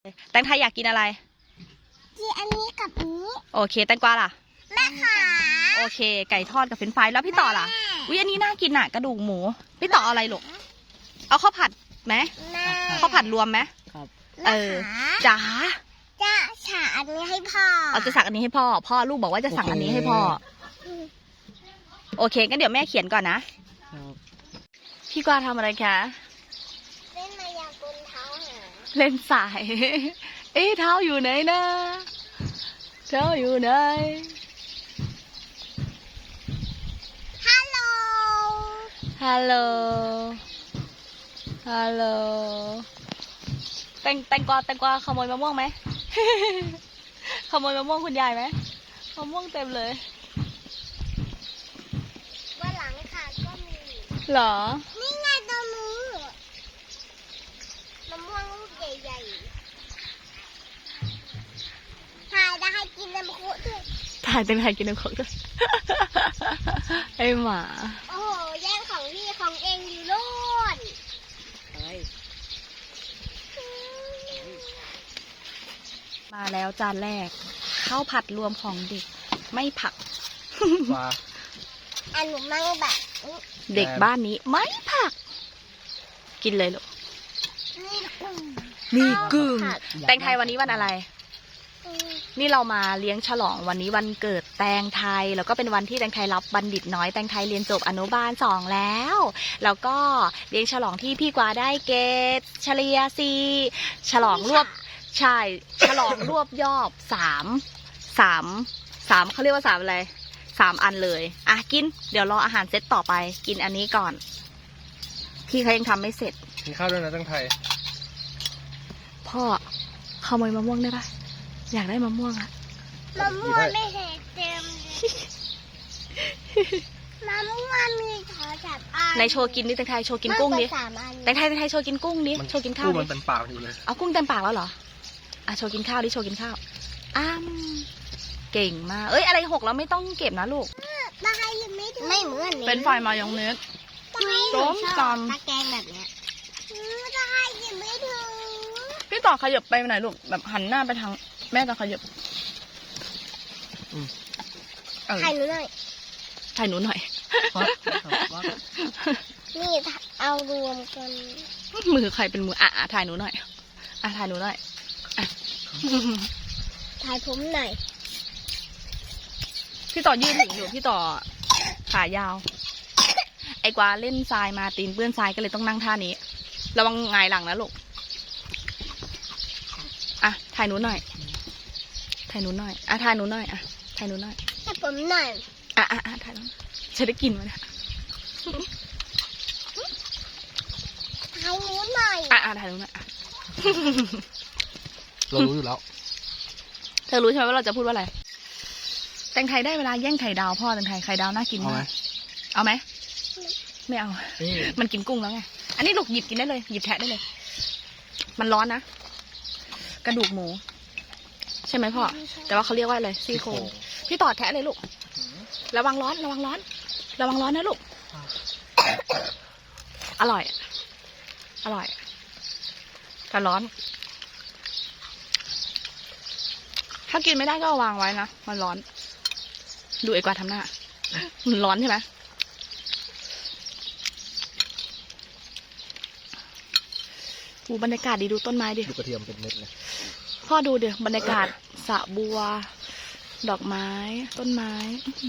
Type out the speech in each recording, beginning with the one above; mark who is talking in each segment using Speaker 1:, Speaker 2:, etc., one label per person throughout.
Speaker 1: แตงไทยอยากกินอะไร
Speaker 2: กินอันนี้กับอันนี้
Speaker 1: โอเคแตงกวาล่ะ
Speaker 2: แม่ขา
Speaker 1: โอเคไก่ทอดกับเฟรนช์ฟรายแล้วพี่ต่อล่ะวิอันนี้น่ากินอ่ะกระดูกหมูพี่ต่ออะไรลูกเอาข้าวผัดไหมข้าวผัดรวมไหม
Speaker 3: ครับ
Speaker 1: จ๋า
Speaker 2: จะสั่งอันนี้ให้พ่อ
Speaker 1: เอาจะสั่งอันนี้ให้พ่อลูกบอกว่าจะสั่งอันนี้ให้พ่อโอเคงั้นเดี๋ยวแม่เขียนก่อนนะพี่กวาทำอะไรคะ
Speaker 2: เล่นมายากลเท้าหา
Speaker 1: เล่นสาย เอ๊ะเท้าอยู่ไหนนะเท้าอยู่ไหน
Speaker 2: ฮัลโหล
Speaker 1: ฮัลโหลฮัลโหลแตงกวาขโมยมะม่วงไหม ขโมยมะม่วงคุณยายไหมมะม่วงเต็มเลย
Speaker 2: วันหลังค่ะก็มี
Speaker 1: เหรอ
Speaker 2: นี่ไงตัวนู้นมะม่วงลูกใหญ่ๆถ่ายได้ให้กินน้ำคุด้วย
Speaker 1: ถ่ายเป็นใครกินน้ำของด้วย ไอหมา
Speaker 2: โอ้โหแย่งของพี่ของเองอยู่โน่น
Speaker 1: มาแล้วจานแรกข้าวผัดรวมของเด็กไม่ผัก
Speaker 2: อันหนูไม่แบบ
Speaker 1: เด็กบ้านนี้ไม่ผักกินเลยลูกนี่กึ่งแตงไทยวันนี้วันอะไรนี่เรามาเลี้ยงฉลองวันนี้วันเกิดแตงไทยแล้วก็เป็นวันที่แตงไทยรับบัณฑิตน้อยแตงไทยเรียนจบอนุบาล2แล้วแล้วก็เลี้ยงฉลองที่พี่กวาได้เกรดเฉลี่ย4ฉลองรวบใช่ฉลองรวบยอบ3เขาเรียกว่า3อะไร3อันเลยอ่ะกินเดี๋ยวรออาหารเซตต่อไปกินอันนี้ก่อนพี่เขายังทำไม่เสร็จ
Speaker 3: กินข้าวด้วยนะแตงไทย
Speaker 1: พ่อขโมยมะม่วงได้ปะอยากได้มะม่วงอะ
Speaker 2: มะม่วงไม่เห็นเต็มมะม่วงมีขอจับอัน
Speaker 1: ในโชว์กินดิแตงไทยโชว์กินกุ้งดิแตงไทยโชว์กินกุ้งดิโชว์กินข้าวดิ
Speaker 3: มันเต็มปากอยู่เลย
Speaker 1: เอากุ้งเต็มปากแล้วเหรออ่ะโชว์กินข้าวดิโชว์กินข้าวเก่งมากเอ้ยอะไรหกแล้วไม่ต้องเก็บนะลูก
Speaker 2: ตายังไม่ถึงไม่เหมือน
Speaker 1: เป็นไฟมายองเนสต้มตำ
Speaker 2: ตะแกงแบบเนี้ยตายังไม่ถึง
Speaker 1: พี่ต่อขยับไปไหนลูกแบบหันหน้าไปทางแม่จะขยับ
Speaker 2: ถ่ายหนูหน่อย
Speaker 1: ถ่ายหนูหน่อย
Speaker 2: นี่เอารวมกัน
Speaker 1: มือใครเป็นมือถ่ายหนูหน่อยถ่ายหนูหน่อย
Speaker 2: ถ่ายผมหน่อย
Speaker 1: พี่ต่อยืนถึงอยู่พี่ต่อขายาวไอ้กวาเล่นทรายมาตีนเปื้อนทรายก็เลยต้องนั่งท่านี้ระวังหงายหลังนะลูกถ่ายหนูหน่อยถ่ายหนูหน่อยถ่ายหนูหน่อยถ่ายหนูหน่อย
Speaker 2: ถ่ายผมหน่อย
Speaker 1: ถ่ายหนูจะได้กินมั้ยเนี่ย
Speaker 2: ถ่ายหนูหน่อย
Speaker 1: ถ่ายหนูหน่อย
Speaker 3: เรารู้อยู่แล้ว
Speaker 1: เธอรู้ใช่ไหมว่าเราจะพูดว่าอะไรแตงไทยได้เวลาแย่งไข่ดาวพ่อแตงไทยไข่ดาวน่ากินมากเอาไหมไม่เอามันกินกุ้งแล้วไงอันนี้ลูกหยิบกินได้เลยหยิบแทะได้เลยมันร้อนนะกระดูกหมูใช่ไหมพ่อแต่ว่าเขาเรียกว่าอะไรซี่โครงพี่ต่อแทะเลยลูกระวังร้อนนะลูกอร่อยแต่ร้อนถ้ากินไม่ได้ก็วางไว้นะมันร้อนดูไอ้กวาดทำหน้ามันร้อนใช่ไหมบรรยากาศดีดูต้นไม้ดิ
Speaker 3: ดูกระเทียมเป็นเม็ดเลย
Speaker 1: พ่อดูเดี๋ยวบรรยากาศสระบัวดอกไม้ต้นไม้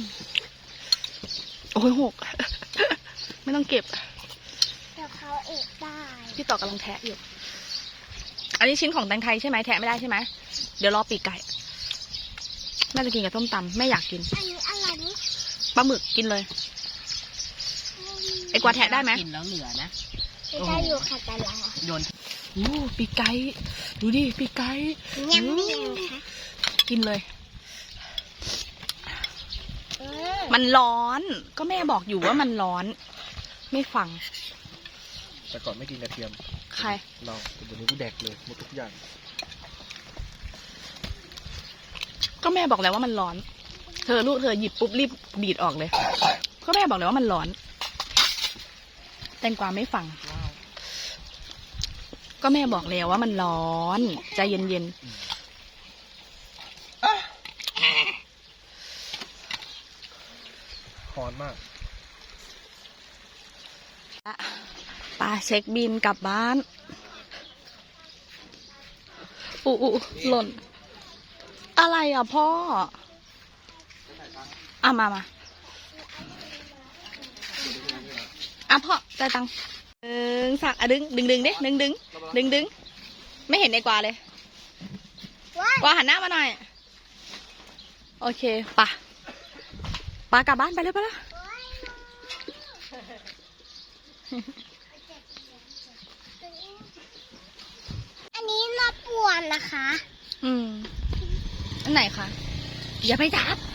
Speaker 1: โอ้ยหก ไม่ต้องเก็บ
Speaker 2: เดี๋ยวเขาเอกได้
Speaker 1: พี่ต่อกำลังแทะอยู่อันนี้ชิ้นของแตงไทยใช่ไหมแทะไม่ได้ใช่ไหมเดี๋ยวรอปีกไก่แม่จะกินกับส้มตำแม่อยากกิน
Speaker 2: อันนี้อะไรนี่
Speaker 1: ปลาหมึกกินเลยไอ้กวาดแทะได้ไหม
Speaker 3: กินแล้วเหลือนะ
Speaker 2: ได้อยู่ค่ะแต่ละ
Speaker 3: โยน
Speaker 1: ปีกไก่ดูดิปีกไก่
Speaker 2: ยำนิ่ม
Speaker 1: กินเลยมันร้อนก็แม่บอกอยู่ว่ามันร้อนไม่ฟัง
Speaker 3: แต่ก่อนไม่กินกระเทียม
Speaker 1: ใคร
Speaker 3: เราเดี๋ยวนี้กูแดกเลยหมดทุกอย่าง
Speaker 1: ก็แม่บอกแล้วว่ามันร้อนเธอลูกเธอหยิบปุ๊บรีบดีดออกเลยก็แม่บอกแล้วว่ามันร้อนแตงกวาไม่ฟังก็แม่บอกแล้วว่ามันร้อนใจเย็น
Speaker 3: คอนมาก
Speaker 1: ๆป้าเช็คบินกลับบ้านอู้หล่น อะไรอ่ะพ่ออ่ะมาอ่ะพ่อจ่ายตังค์สักอ่ะดึงดิดึงไม่เห็นไอ้กวาเลย กวาหันหน้ามาหน่อย โอเคป่ะป้ากลับบ้านไปเลยไปละ
Speaker 2: อันนี้น่าปวดนะคะ
Speaker 1: อันไหนคะอย่าไปจับ